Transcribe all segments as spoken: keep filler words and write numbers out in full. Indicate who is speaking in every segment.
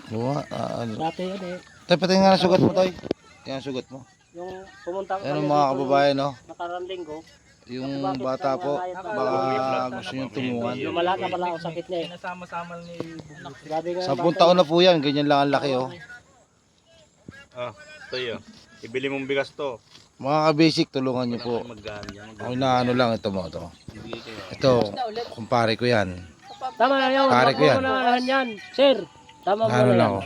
Speaker 1: Buwa, ah, ano.
Speaker 2: Dati yun eh.
Speaker 1: Tay, pati nga ang sugat mo, Tay. Yan ang sugat mo.
Speaker 2: Yung pumunta ko
Speaker 1: Ayan
Speaker 2: kami
Speaker 1: mga
Speaker 2: dito
Speaker 1: kababayan, no?
Speaker 2: nakarang linggo.
Speaker 1: Yung bata po, baka gusto niyong tumungan.
Speaker 2: Lumala na pala ang sakit niya eh.
Speaker 3: Nasama-sama ni Buglo.
Speaker 2: Grabe nga.
Speaker 1: Sampung taon na po yan, ganyan lang ang laki, oh.
Speaker 4: Ah, ito yun. Ibili mong bigas to.
Speaker 1: Mga ka-basic, tulungan niyo po.
Speaker 4: Maggaan.
Speaker 1: Ako na ano lang, ito mo, ito. Ito, kumpare ko yan.
Speaker 2: Tama na yun.
Speaker 1: Pare ko yan.
Speaker 2: Wag mo na lahan yan. Sir, tama mo
Speaker 1: Ano
Speaker 2: na
Speaker 1: lang
Speaker 2: yan.
Speaker 1: ako.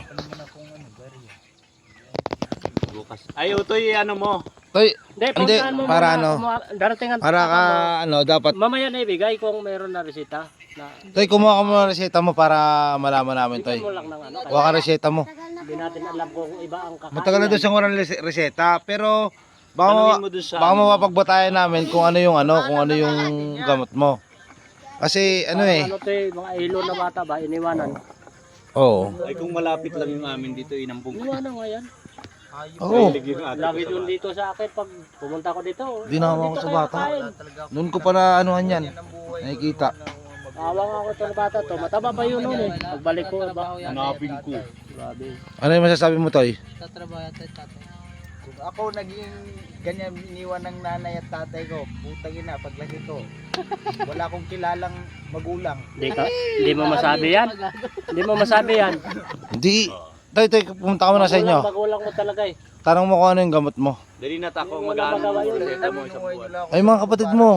Speaker 4: Bukas. Ay, utoy, ano mo?
Speaker 1: Toy,
Speaker 2: Hindi,
Speaker 1: Hindi,
Speaker 2: puntahan mo
Speaker 1: para
Speaker 2: muna.
Speaker 1: ano?
Speaker 2: Kuma- Darating ang
Speaker 1: para ka, ano, dapat.
Speaker 2: mamaya na ibigay kung mayroon na resita. Na,
Speaker 1: Toy, kumuha ka muna ng reseta mo para malaman namin, Toy.
Speaker 2: bigyan mo lang ng ano.
Speaker 1: Huwag ka reseta mo.
Speaker 2: Hindi natin alam kung iba ang kakain.
Speaker 1: Matagal na doon sa ngurang res- reseta, pero baka,
Speaker 4: Tanungin
Speaker 1: ma-
Speaker 4: mo dun sa
Speaker 1: baka
Speaker 4: ano.
Speaker 1: mapagbatayan namin kung ano yung ano, kung ano yung gamot mo. Kasi ano eh,
Speaker 2: Ano to eh, mga ilo na bata ba, iniwanan.
Speaker 1: oo.
Speaker 4: Ay, kung malapit lang yung amin dito, inampung ko.
Speaker 2: Iniwanan nga yan.
Speaker 1: Oo.
Speaker 2: Lagi doon dito sa akin pag pumunta ko dito.
Speaker 1: Dinawa ko
Speaker 2: dito
Speaker 1: sa
Speaker 2: kayo
Speaker 1: bata.
Speaker 2: kakain.
Speaker 1: Noon ko pa na anuhan yan. Nakikita.
Speaker 2: Awang ako itong bata to. Mataba pa yun noon eh. Pagbalik ko, ba?
Speaker 4: Hanapin ko.
Speaker 2: Grabe.
Speaker 1: Ano yung masasabi mo, Toy?
Speaker 3: Kung ako naging ganyan iniwan ng nanay at tatay ko, putang ina, paglaki ko, wala akong kilalang magulang.
Speaker 2: Hindi ka, hindi mo masabi yan. Hindi mo masabi yan.
Speaker 1: Hindi. Toy, Toy, pumunta ka muna sa inyo.
Speaker 2: Magulang, magulang mo talaga eh.
Speaker 1: Tanong mo kung ano yung gamot mo.
Speaker 4: Dali na tako,
Speaker 2: Wala
Speaker 4: mag-ano
Speaker 2: magawa yun.
Speaker 4: reseta mo isang buwan.
Speaker 1: Ay, mga kapatid mo.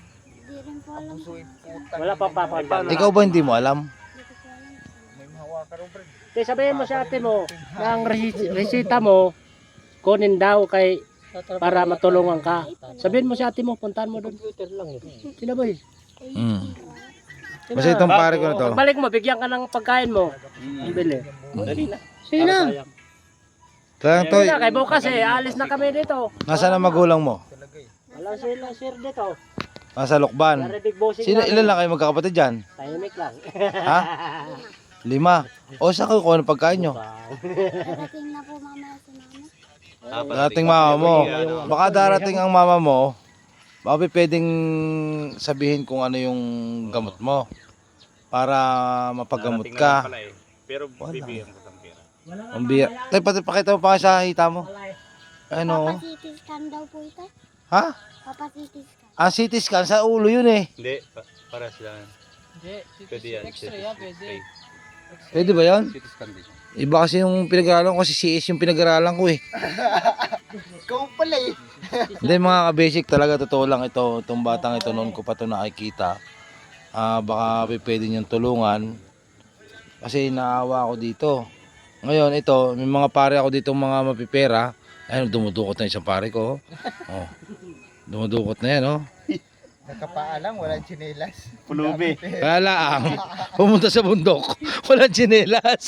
Speaker 2: Wala pa papagdan.
Speaker 1: Ikaw ba hindi mo alam?
Speaker 3: May mahawa ka rin, friend.
Speaker 2: Kaya sabihin mo sa ate mo, na ang resi- resita mo, kunin daw kay para matulungan ka. Sabihin mo sa ate mo, puntahan mo doon. Sino ba eh?
Speaker 1: Hmm. Basta itong pare ko na to.
Speaker 2: Pagbalik mo, bigyan ka ng pagkain mo. Ang bili.
Speaker 4: Dali na.
Speaker 2: Sino?
Speaker 1: Kaya,
Speaker 2: Hindi
Speaker 1: Toy,
Speaker 2: na, kay bukas eh, alis na kami dito.
Speaker 1: nasaan ang magulang mo?
Speaker 2: Wala sila sir dito.
Speaker 1: Nasa Lukban.
Speaker 2: Dari big bossing
Speaker 1: Sino,
Speaker 2: namin.
Speaker 1: ilan lang kayo magkakapatid dyan?
Speaker 2: Tahimik lang.
Speaker 1: Ha? Lima. O, saan kayo kung ano pagkain nyo?
Speaker 5: Darating na po mama si mama.
Speaker 1: Darating mama mo. Baka darating ang mama mo, baka pwedeng sabihin kung ano yung gamot mo para mapagamot
Speaker 4: Darating na
Speaker 1: ka.
Speaker 4: lang pala eh. Pero bibigyan ko ng pera.
Speaker 1: Ang biya. Tay, pati pakita mo pa sa hita mo. Ano?
Speaker 5: Papa C T scan daw po ito.
Speaker 1: Ha?
Speaker 5: Papa C T scan.
Speaker 1: Ang C T scan sa ulo yun eh.
Speaker 4: Hindi, pa- para sila. Pwede yan. Extra yan, pwede.
Speaker 1: Pwede ba yun?
Speaker 4: C T scan din.
Speaker 1: Iba kasi yung pinag-aralan ko, kasi C S yung pinag-aralan ko eh.
Speaker 3: Ikaw pala eh.
Speaker 1: Hindi, mga ka-basic talaga, totoo lang ito. Itong batang ito, noon ko pa ito nakikita. Ah, baka pwede niyong tulungan. Kasi naawa ako dito. Ngayon, ito, may mga pare ako dito mga mapipera. Ayun, dumudukot na isang pare ko. Oh. Dumudukot na yan, oh.
Speaker 3: Nakapaalang, walang tsinelas.
Speaker 4: Pulubi.
Speaker 1: Kaya lang, pumunta sa bundok, walang tsinelas.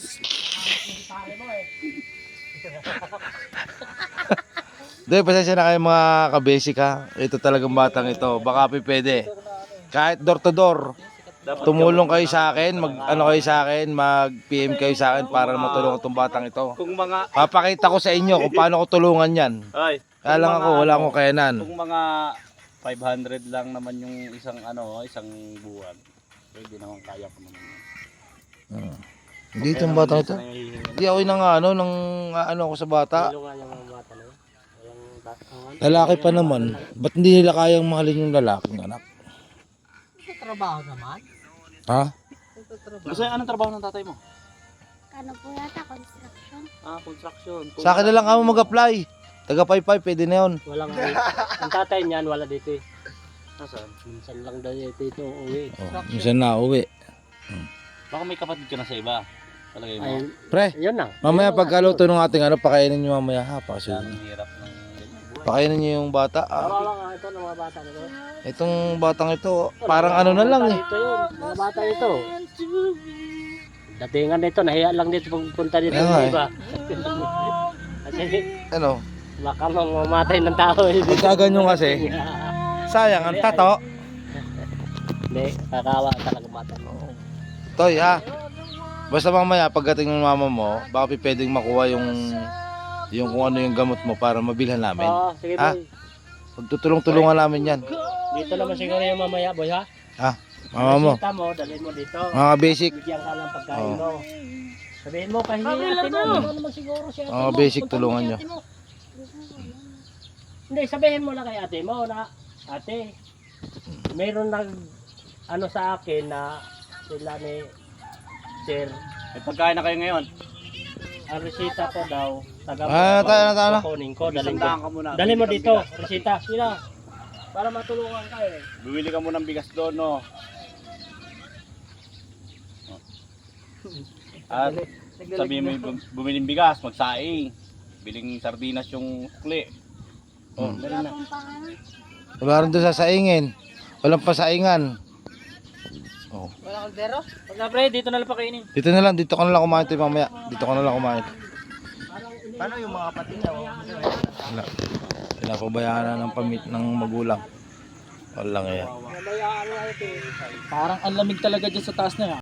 Speaker 1: Doy, pasensya na kayo mga ka-basic ha. Ito talagang batang ito. Baka pa pwede. Kahit door to door, tumulong kayo sa akin, mag ano kayo sa akin, mag-P M kayo sa akin para matulungan itong batang ito.
Speaker 4: Kung mga...
Speaker 1: Papakita ko sa inyo kung paano ko tulungan yan.
Speaker 4: Ay,
Speaker 1: Kaya lang ako, wala akong kayanan.
Speaker 4: kung mga five hundred lang naman yung isang ano, isang buwan. Pwede naman kaya ko naman.
Speaker 1: Hmm. Dito yung batang ito. Hindi ako yung nga ano, nang ano ako sa bata.
Speaker 2: Tulungan yung mga bata na yun. Walang bata.
Speaker 1: Lalaki pa naman. Ba't hindi nila kayang mahalin yung lalaking anak?
Speaker 3: Sa trabaho naman.
Speaker 1: Ha?
Speaker 4: Kasi anong trabaho ng tatay mo?
Speaker 5: Ano po yata? Construction.
Speaker 4: Ah, construction.
Speaker 1: Sa akin na lang ako mag-apply. Taga Paypay, pwede na yun.
Speaker 2: Walang ang tatay niyan, wala dito eh.
Speaker 4: Nasaan?
Speaker 2: Minsan lang daw dito ito uwi.
Speaker 1: Oh, minsan na uwi.
Speaker 4: Baka may kapatid ka na sa iba. Palagay mo.
Speaker 2: Ay,
Speaker 1: Pre,
Speaker 2: yun na.
Speaker 1: mamaya pagkaluto ng ating ano, pakainin nyo mamaya ha. Kasi,
Speaker 4: Ang hirap ng ganyan buhay.
Speaker 1: pakainin nyo yung bata. Ah,
Speaker 2: Kawawa nga ito ng mga bata nito.
Speaker 1: itong batang ito, parang ano na lang eh.
Speaker 2: Ito yun, mga bata ito. Datingan dito, nahiya lang dito pagpunta dito
Speaker 1: Kaya nga
Speaker 2: ng
Speaker 1: eh.
Speaker 2: iba. Kasi
Speaker 1: Ano,
Speaker 2: baka mamamatay ng tao eh.
Speaker 1: pagkaganyo kasi, sayang ang tato.
Speaker 2: Hindi, kakawa talaga bata mo.
Speaker 1: Toy ha. Basta mamaya pagdating ng mama mo, baka pwedeng makuha yung yung kung ano yung gamot mo para mabilhan namin.
Speaker 2: Oo, sige
Speaker 1: Ha?
Speaker 2: boy.
Speaker 1: Magtutulong-tulungan namin yan.
Speaker 2: Dito naman siguro yung mamaya boy ha.
Speaker 1: Ha? Mama mo.
Speaker 2: Resita mo, dalhin mo dito.
Speaker 1: Mga basic.
Speaker 2: Bigyan ka ng pagkain
Speaker 1: Oo.
Speaker 2: mo. Sabihin mo, kahingi ate mo. Ano naman siguro si ate
Speaker 1: Oh,
Speaker 2: mo.
Speaker 1: basic
Speaker 2: Punta mo
Speaker 1: tulungan
Speaker 2: si
Speaker 1: nyo.
Speaker 2: ate mo.
Speaker 5: Gusto ko lang.
Speaker 2: Hindi, sabihin mo na kay ate mo na, ate, meron nag, ano sa akin na sila ni Sir,
Speaker 4: May pagkain na kayo ngayon.
Speaker 2: ang resita ko daw, taga
Speaker 1: Ah, tayo na, tayo na.
Speaker 2: kukunin ko, daling
Speaker 4: Isang daan
Speaker 2: ko.
Speaker 4: ka muna.
Speaker 2: Dali mo
Speaker 4: Bili kang
Speaker 2: dito,
Speaker 4: bigas.
Speaker 2: resita, sila. Para matulungan ka eh.
Speaker 4: Bumili ka muna ng bigas doon, no? At sabihin mo, bum- bumili ng bigas, magsaing. Biling sardinas yung sukli. Oh,
Speaker 1: Hmm.
Speaker 4: dali
Speaker 5: Wala
Speaker 4: na.
Speaker 5: pong pangano.
Speaker 1: Wala rin doon sa saingin. Walang pasaingan. Oh.
Speaker 2: Pag na pre, dito na lang pakainin.
Speaker 1: Dito na lang, dito ka na lang kumain tayo mamaya. Dito ka na lang kumain.
Speaker 3: Paano yung mga kapatid niya? Oh?
Speaker 1: Wala. Pinapabayaan na ng pamit ng magulang. Walang yan.
Speaker 3: Parang ang lamig talaga dyan sa taas na yan.